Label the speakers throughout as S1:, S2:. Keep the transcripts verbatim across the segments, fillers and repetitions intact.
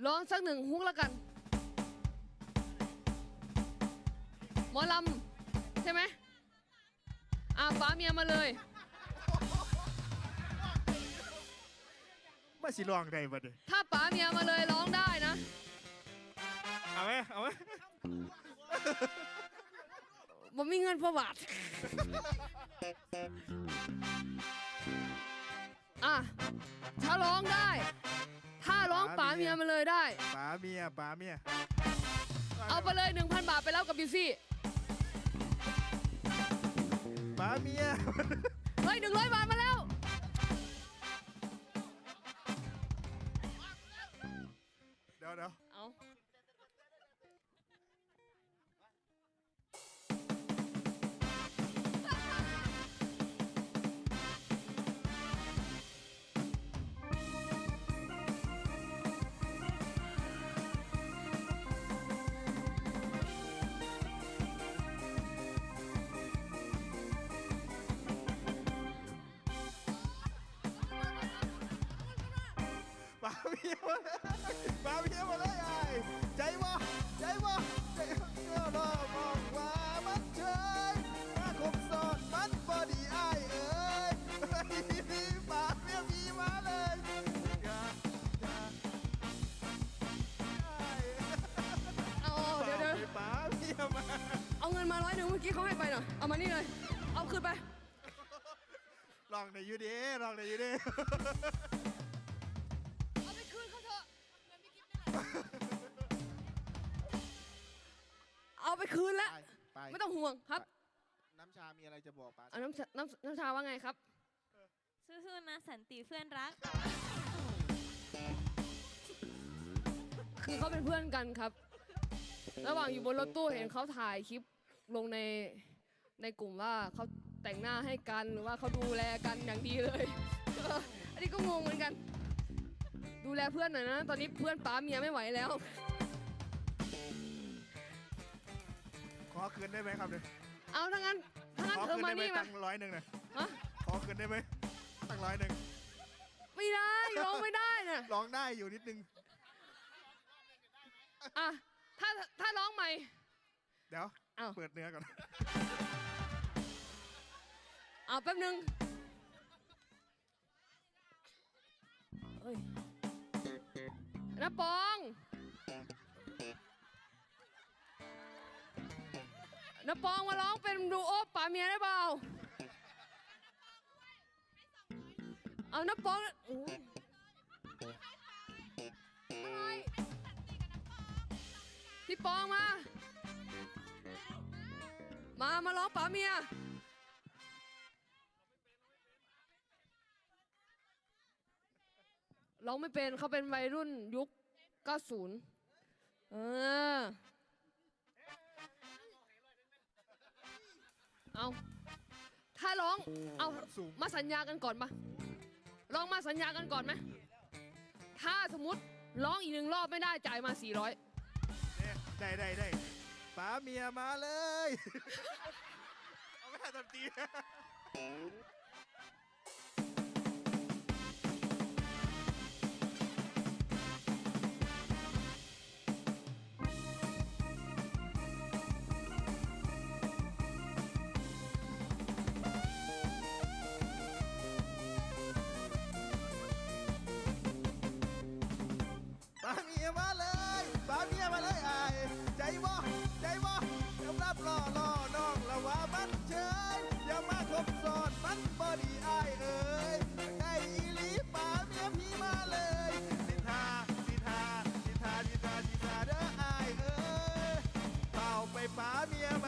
S1: ร้องสักหนึ่งฮุกแล้วกันหมอลำใช่ไหมอ่ะป๋าเมียมาเลย
S2: มาสิลองได้บ่เด้
S1: ถ้าป๋าเมียมาเลยร้องได้นะ
S2: เอาไหมเอาไหม
S1: ผมมีเงินพอบาทอ่ะถ้าร้องได้ถ้าร้องป๋าเมียมาเลยได้
S2: ป๋าเมียป๋าเมีย
S1: เอาไปเลยหนึ่งพันบาทไปแล้วกับบิวซี่
S2: ป๋าเมีย
S1: เฮ้ยหนึ่งร้อยบาทมาแล้ว
S2: เดี๋ยวเดี๋ยว
S1: เอา
S2: ป๋าเมียมาป๋าเมียมาเลยไอ้ใจบ่ใจบ่ใจก็รอมองว่ามันเฉยมาคบซ้อนมันบอดีไอ้เอ้ยป๋าเมียมีมาเลยอย่าอย่า
S1: เอาเดี๋ยวเดี๋ยว
S2: ป๋าเมียมา
S1: เอาเงินมาร้อยหนึ่งเมื่อกี้เขาให้ไปหน่อยเอามานี่เลยเอาคืนไป
S2: ลองในยูดีลองในยูดี
S1: เอาไปคืนเขาเถอะเอาไปคืนแล้ว
S2: ไป
S1: ไม่ต้องห่วงครับ
S2: น้ำชามีอะไรจะบอกป๋า
S1: เอาน้ำชาน้ำน้ำชาว่าไงครับ
S3: สู้ๆนะสันติเพื่อนรัก
S1: คือเขาเป็นเพื่อนกันครับ ระหว่างอยู่บนรถตู้เห็นเขาถ่ายคลิปลงในในกลุ่มว่าเขาแต่งหน้าให้กันหรือว่าเขาดูแลกันอย่างดีเลย อันนี้ก็งงเหมือนกัน ดูแลเพื่อนหน่อยนะ ตอนนี้เพื่อนป๋าเมียไม่ไหวแล้ว
S2: ขอคืนได้ไหมครับเนี่ย
S1: เอาถ้างั้นถ้างั้น
S2: ขอ
S1: เธอ
S2: คืน
S1: มา
S2: ได้ไหม
S1: นี่มา
S2: ตั้งร้อยหนึ่งนะ
S1: ฮะ
S2: ขอคืนได้ไหมตั้งร้อยหนึ่ง
S1: ไม่ได้ร้องไม่ได้น่ะ
S2: ร้องได้อยู่นิดนึง
S1: อ่ะถ้าถ้าร้องใหม่
S2: เดี๋ยว
S1: อ้าว
S2: เปิดเนื้อก่อน
S1: เอาแป๊บนึงเฮ้ยน้าปองน้าปองมาร้องเป็นดูโอป๋าเมียได้เปล่าเอาน้าปองโอ้ยอะไรพี่ปองมา มา มาร้องป๋าเมียร้องไม่เป็นเขาเป็นวัยรุ่นยุคเก้าสิบเออเอาถ้าร้องเอามาสัญญากันก่อนปะลองมาสัญญากันก่อนไหมถ้าสมมติร้องอีกหนึ่งรอบไม่ได้จ่ายมาสี่ร้อย
S2: ได้ได้ได้ป๋าเมียมาเลย เอาไม่ทันทันที ป๋าเมียมาเลยป๋าเมียมาเลยไอ้ใจบ่ใจบ่ยอมรับล่อล่อน้องละว่ามันเฉยอย่ามาคบซ้อนมันบอดีไอ้เอ้ยไอ้อีหลีป๋าเมียพี่มาเลยสิทาสิทาสิทาสิทาสิทาเด้อไอ้เอ้ยเป่าไปป๋าเมียมา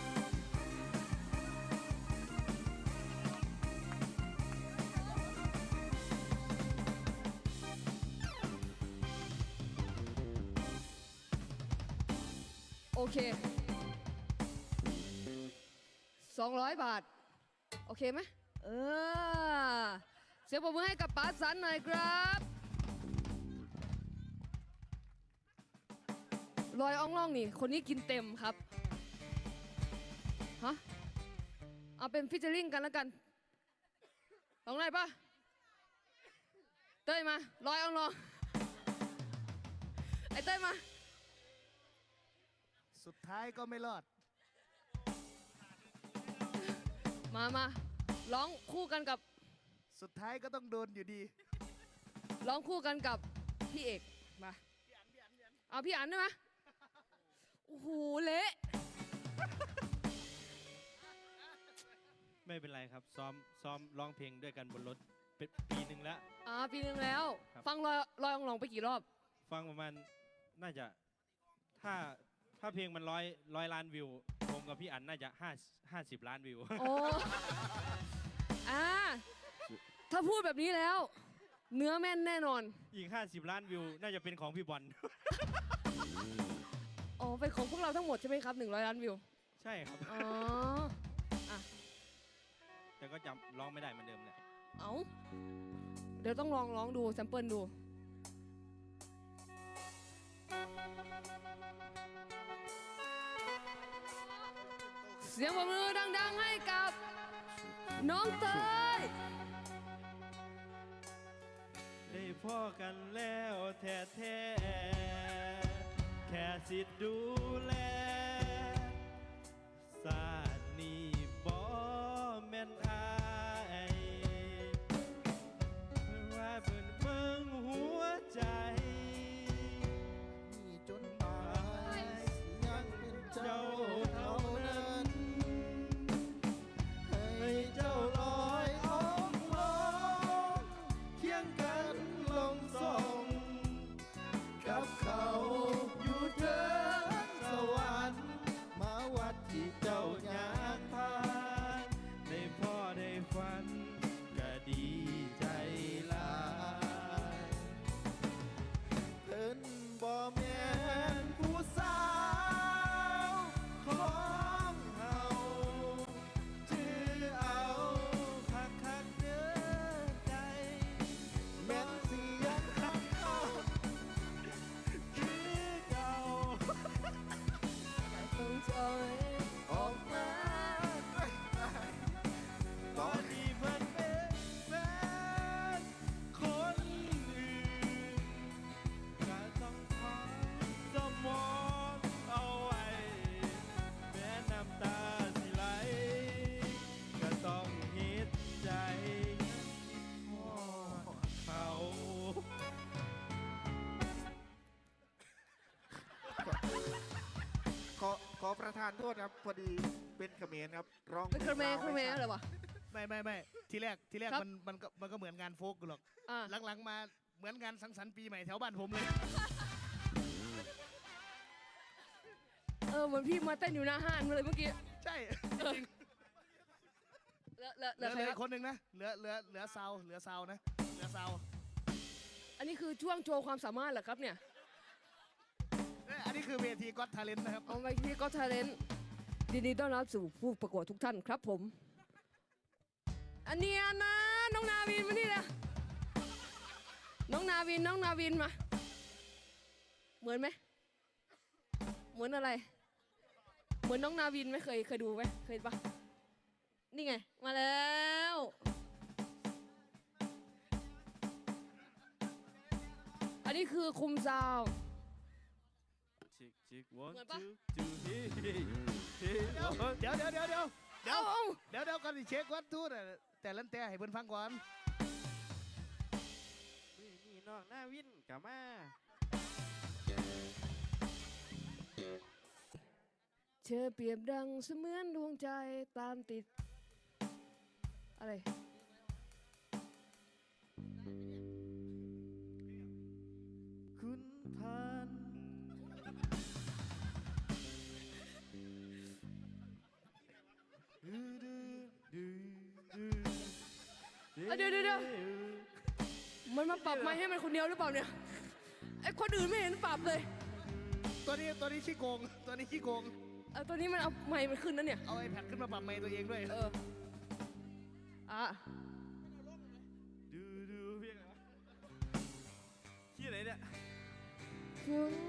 S1: โอเคสองร้อยบาท โอเคไหมเออเสียงปรบมือให้กับป๋าสันหน่อยครับลอยอ่องล่องนี่ คนนี้กินเต็มครับ ฮะ เอาเป็นฟิชเชอริงกันแล้วกันลองได้ปะเต้ยมาลอยอ่องลอง
S2: สุดท้ายก็ไม่รอด
S1: มามาร้องคู่กันกับ
S2: สุดท้ายก็ต้องโดนอยู่ดี
S1: ร้องคู่กันกับพี่เอกมาเอาพี่อันได้ไหมโอ้โหเละ
S4: ไม่เป็นไรครับ ซ้อมซ้อมร้องเพลงด้วยกันบนรถเป็นปีหนึ่งแล้ว
S1: อ่าปีนึงแล้ว
S4: ครับ
S1: ฟังลอยลอยองลองไปกี่รอบ
S4: ฟังประมาณน่าจะถ้าถ้าเพลงมันร้อยร้อยล้านวิวผมกับพี่อันน่าจะห้าห้าสิบล้านวิว
S1: โอ้อ่าถ้าพูดแบบนี้แล้ว เนื้อแม่นแน่นอน
S4: อีกห้าสิบล้านวิว น่าจะเป็นของพี่บอล
S1: อ๋อเป็นของพวกเราทั้งหมดใช่ไหมครับหนึ่งร้อยล้านวิว
S4: ใช่ครับ
S1: อ๋ออ่ะ
S4: แต่ก็จำร้องไม่ได้เหมือนเดิมเนี่ย
S1: เอาเดี๋ยวต้องลองร้องดูแซมเปิลดู เสียงปรบมือดังๆให้กับน้องเตย
S4: ได้พ่อกันแล้วแท้แท้ๆแค่สิทธิ์ดูแลศาสตร์นี้บ่แม่นอายว่าเพิ่นเบิ่งหัวใจ
S2: นี่จนตายยังเป็นเจ้าเท่านั้น ให้เจ้าลอยอ้อมลงเคียงกันลงส่งกับเขาอยู่เถิดสวรรค์มาวัดที่เจ้าอยากพา
S4: ได้พ่อได้ฝันก็ดีใจหลาย
S2: เพิ่นบ่แม่นผู้สาวของเฮาถือเอาคักคักๆเด้อใจ แม่นเสียงคักคักคือเก่า
S1: ต้องจอย
S2: ออกมาตอนนี้เพิ่นเป็นแฟนคนอื่น
S4: ก็ต้องขอสมองเอาไว้ แม้น้ำตาสิไหล ก็ต้องเฮ็ดใจพ่อเขา
S2: ขอขอประทานโทษครับ พอดีเป็นเขมรครับร้อง
S1: เป็นเครเมย์เครเมย์เหรอวะ
S5: ไม่ไม่ไม่ทีแรกทีแรก
S1: ครับ
S5: มันมันก็มันก็เหมือนงานโฟกหรอก
S1: อ่า
S5: หลังๆมาเหมือนงานสังสรรค์ปีใหม่แถวบ้านผมเลย
S1: เออเหมือนพี่มาเต้นอยู่หน้าห้างเลยเมื่อกี้
S5: ใช่จริง
S1: เหลือเหลือเห
S5: เห
S1: ลื
S5: ลื
S1: อ
S5: อ
S1: ใค
S5: เห
S1: ร
S5: ลือ
S1: ค
S5: อี
S1: รับ
S5: กคนหนึ่งนะเหลือเหลือเหลือซาวเหลือซาวนะเหลือซาว
S1: อันนี้คือช่วงโชว์ความสามารถเหรอครับเนี่ย
S5: เอ้ยอันนี้คือเวทีก็อตทาเลนนะครับ
S1: เอาไปที่ก็ทาเลนยินดีต้อนรับสู่ผู้ประกวดทุกท่านครับผม อันเนี้ยนะน้องนาวินมานี่เลยน้องนาวินน้องนาวินมา เหมือนไหมเหมือนอะไร เหมือนน้องนาวินไหมเคยเคยดูไหมเคยปะนี่ไงมาแล้ว อันนี้คือคุมซาว
S4: ชิกชิก one
S1: เหมือนปะ
S4: two two hey hey hey
S5: เดี๋ยวเดี๋ยวเดี๋ยวเดี๋ยวเดี๋ยว
S1: เอาเอา
S5: เดี๋ยวเดี๋ยวก่อนที่เช็ควัดทูตแต่ลันแต่ให้เพิ่นฟังก่อน
S4: นี่นี่น้องหน้าวินกลับมา
S1: เธอเปรียบดังเสมือนดวงใจตามติด อะไร
S2: คุณทานดื้อดื้อดื้อดื้อ
S1: เอาเดี๋ยวเดี๋ยวเดี๋ยวมันมาปรับไม้ให้มันคนเดียวหรือเปล่าเนี่ย ไอ้คนอื่นไม่เห็นปรับเลย
S5: ตัวนี้ตัวนี้ขี้โกงตัวนี้ขี้โกง
S1: เออตัวนี้มันเอาไม้มันขึ้นนะเนี่ย
S5: เอาไอแพดขึ้นมาปรับไมค์ตัวเองด้วย
S1: เออ อ่ะ
S4: ดูดูเพียงอะไรวะที่ไหนเนี่ย
S1: คุณ